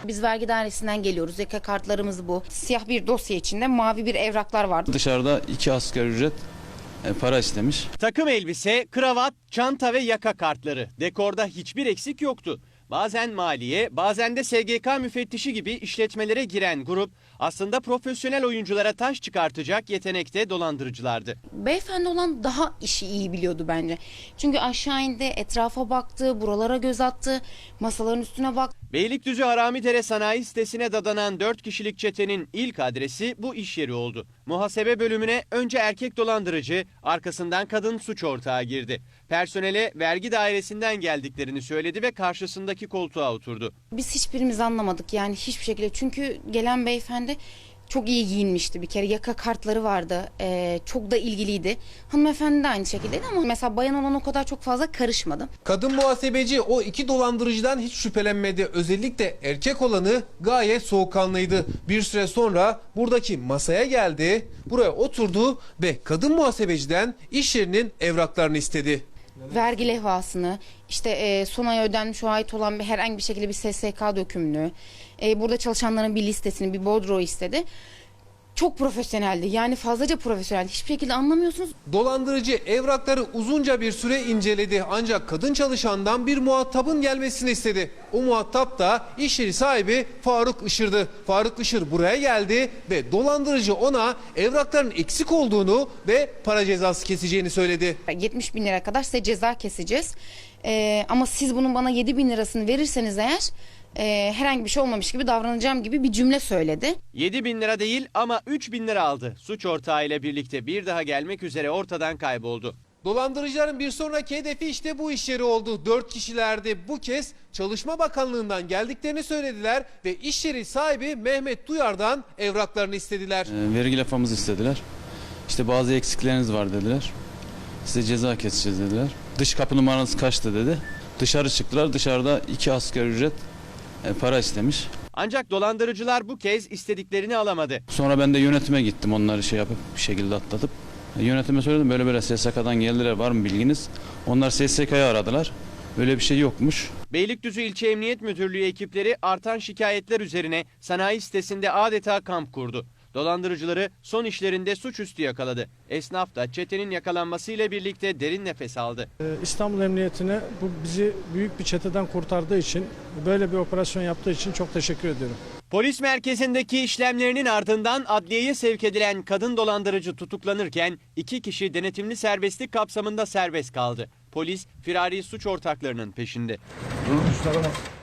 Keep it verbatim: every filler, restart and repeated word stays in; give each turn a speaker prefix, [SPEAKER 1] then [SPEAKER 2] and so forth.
[SPEAKER 1] Biz vergi dairesinden geliyoruz. Yaka kartlarımız bu. Siyah bir dosya içinde mavi bir evraklar vardı.
[SPEAKER 2] Dışarıda iki asgari ücret e, para istemiş.
[SPEAKER 3] Takım elbise, kravat, çanta ve yaka kartları. Dekorda hiçbir eksik yoktu. Bazen maliye, bazen de S G K müfettişi gibi işletmelere giren grup aslında profesyonel oyunculara taş çıkartacak yetenekte dolandırıcılardı.
[SPEAKER 1] Beyefendi olan daha işi iyi biliyordu bence. Çünkü aşağı indi, etrafa baktı, buralara göz attı, masaların üstüne baktı.
[SPEAKER 3] Beylikdüzü Haramidere sanayi sitesine dadanan dört kişilik çetenin ilk adresi bu iş yeri oldu. Muhasebe bölümüne önce erkek dolandırıcı, arkasından kadın suç ortağı girdi. Personele vergi dairesinden geldiklerini söyledi ve karşısındaki koltuğa oturdu.
[SPEAKER 1] Biz hiçbirimiz anlamadık yani hiçbir şekilde. Çünkü gelen beyefendi çok iyi giyinmişti bir kere. Yaka kartları vardı. Ee, çok da ilgiliydi. Hanımefendi de aynı şekildeydi ama mesela bayan olan o kadar çok fazla karışmadım.
[SPEAKER 4] Kadın muhasebeci o iki dolandırıcıdan hiç şüphelenmedi. Özellikle erkek olanı gayet soğukkanlıydı. Bir süre sonra buradaki masaya geldi, buraya oturdu ve kadın muhasebeciden iş yerinin evraklarını istedi.
[SPEAKER 1] Vergi levhasını, işte e, son ay ödenmiş o ait olan bir herhangi bir şekilde bir S S K dökümünü, e, burada çalışanların bir listesini, bir bordro istedi. Çok profesyoneldi. Yani fazlaca profesyoneldi. Hiçbir şekilde anlamıyorsunuz.
[SPEAKER 4] Dolandırıcı evrakları uzunca bir süre inceledi. Ancak kadın çalışandan bir muhatabın gelmesini istedi. O muhatap da iş yeri sahibi Faruk Işır'dı. Faruk Işır buraya geldi ve dolandırıcı ona evrakların eksik olduğunu ve para cezası keseceğini söyledi.
[SPEAKER 1] yetmiş bin lira kadar size ceza keseceğiz. E, ama siz bunun bana yedi bin lirasını verirseniz eğer e, herhangi bir şey olmamış gibi davranacağım gibi bir cümle söyledi.
[SPEAKER 3] yedi bin lira değil ama üç bin lira aldı. Suç ortağı ile birlikte bir daha gelmek üzere ortadan kayboldu.
[SPEAKER 4] Dolandırıcıların bir sonraki hedefi işte bu iş yeri oldu. Dört kişilerdi. Bu kez Çalışma Bakanlığı'ndan geldiklerini söylediler ve iş yeri sahibi Mehmet Duyar'dan evraklarını istediler.
[SPEAKER 2] E, vergi lafamızı istediler. İşte bazı eksikleriniz var dediler. Size ceza keseceğiz dediler. Dış kapı numaranız kaçtı dedi. Dışarı çıktılar. Dışarıda iki asgari ücret e, para istemiş.
[SPEAKER 3] Ancak dolandırıcılar bu kez istediklerini alamadı.
[SPEAKER 2] Sonra ben de yönetime gittim onları şey yapıp bir şekilde atlatıp. E, yönetime söyledim böyle böyle S S K'dan geldiler var mı bilginiz? Onlar S S K'yı aradılar. Böyle bir şey yokmuş.
[SPEAKER 3] Beylikdüzü İlçe Emniyet Müdürlüğü ekipleri artan şikayetler üzerine sanayi sitesinde adeta kamp kurdu. Dolandırıcıları son işlerinde suçüstü yakaladı. Esnaf da çetenin yakalanmasıyla birlikte derin nefes aldı.
[SPEAKER 5] İstanbul Emniyetine bu bizi büyük bir çeteden kurtardığı için, böyle bir operasyon yaptığı için çok teşekkür ediyorum.
[SPEAKER 3] Polis merkezindeki işlemlerinin ardından adliyeye sevk edilen kadın dolandırıcı tutuklanırken iki kişi denetimli serbestlik kapsamında serbest kaldı. Polis firari suç ortaklarının peşinde.
[SPEAKER 6] Durun, üstüne